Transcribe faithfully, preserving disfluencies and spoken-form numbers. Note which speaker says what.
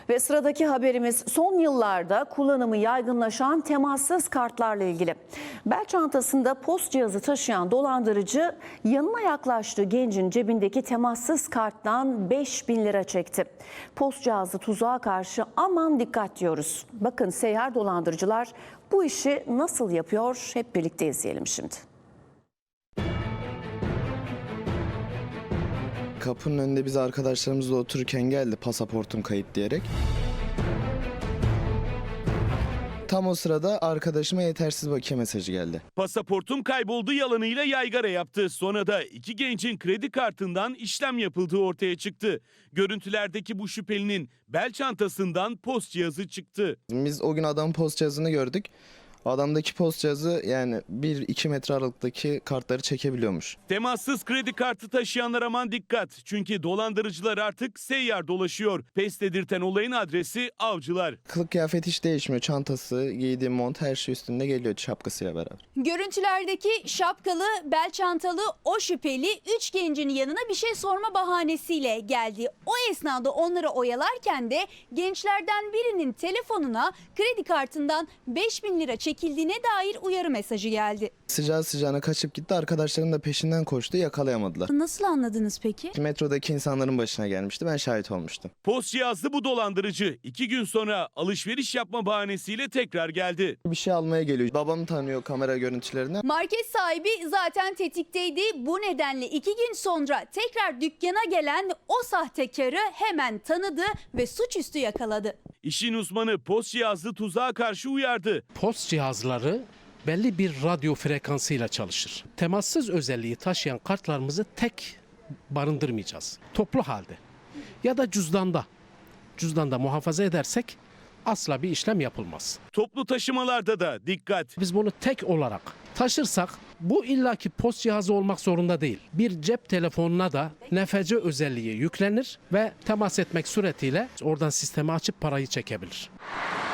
Speaker 1: Ve sıradaki haberimiz son yıllarda kullanımı yaygınlaşan temassız kartlarla ilgili. Bel çantasında post cihazı taşıyan dolandırıcı yanına yaklaştığı gencin cebindeki temassız karttan beş bin lira çekti. Post cihazı tuzağa karşı aman dikkat diyoruz. Bakın seyyar dolandırıcılar bu işi nasıl yapıyor, hep birlikte izleyelim şimdi.
Speaker 2: Kapının önünde biz arkadaşlarımızla otururken geldi pasaportum kayıp diyerek. Tam o sırada arkadaşıma yetersiz bakiye mesajı geldi.
Speaker 3: Pasaportum kayboldu yalanıyla yaygara yaptı. Sonra da iki gencin kredi kartından işlem yapıldığı ortaya çıktı. Görüntülerdeki bu şüphelinin bel çantasından post cihazı çıktı.
Speaker 2: Biz o gün adamın post cihazını gördük. Adamdaki post cihazı yani bir iki metre aralıktaki kartları çekebiliyormuş.
Speaker 3: Temassız kredi kartı taşıyanlar aman dikkat. Çünkü dolandırıcılar artık seyyar dolaşıyor. Pes dedirten olayın adresi Avcılar.
Speaker 2: Kılık kıyafet hiç değişmiyor. Çantası, giydiği mont her şey üstünde geliyor şapkasıyla beraber.
Speaker 4: Görüntülerdeki şapkalı, bel çantalı o şüpheli üç gencin yanına bir şey sorma bahanesiyle geldi. O esnada onları oyalarken de gençlerden birinin telefonuna kredi kartından beş bin lira çekildiğine dair uyarı mesajı geldi.
Speaker 2: Sıcağı sıcağına kaçıp gitti. Arkadaşlarım da peşinden koştu. Yakalayamadılar.
Speaker 4: Nasıl anladınız peki?
Speaker 2: Metrodaki insanların başına gelmişti. Ben şahit olmuştum.
Speaker 3: Post cihazlı bu dolandırıcı iki gün sonra alışveriş yapma bahanesiyle tekrar geldi.
Speaker 2: Bir şey almaya geliyor. Babamı tanıyor kamera görüntülerinden.
Speaker 4: Market sahibi zaten tetikteydi. Bu nedenle iki gün sonra tekrar dükkana gelen o sahtekarı hemen tanıdı ve suçüstü yakaladı.
Speaker 3: İşin uzmanı post cihazlı tuzağa karşı uyardı.
Speaker 5: Post cihazları belli bir radyo frekansıyla çalışır. Temassız özelliği taşıyan kartlarımızı tek barındırmayacağız. Toplu halde ya da cüzdanda. Cüzdanda muhafaza edersek asla bir işlem yapılmaz.
Speaker 3: Toplu taşımalarda da dikkat.
Speaker 5: Biz bunu tek olarak taşırsak bu illaki post cihazı olmak zorunda değil. Bir cep telefonuna da N F C özelliği yüklenir ve temas etmek suretiyle oradan sistemi açıp parayı çekebilir.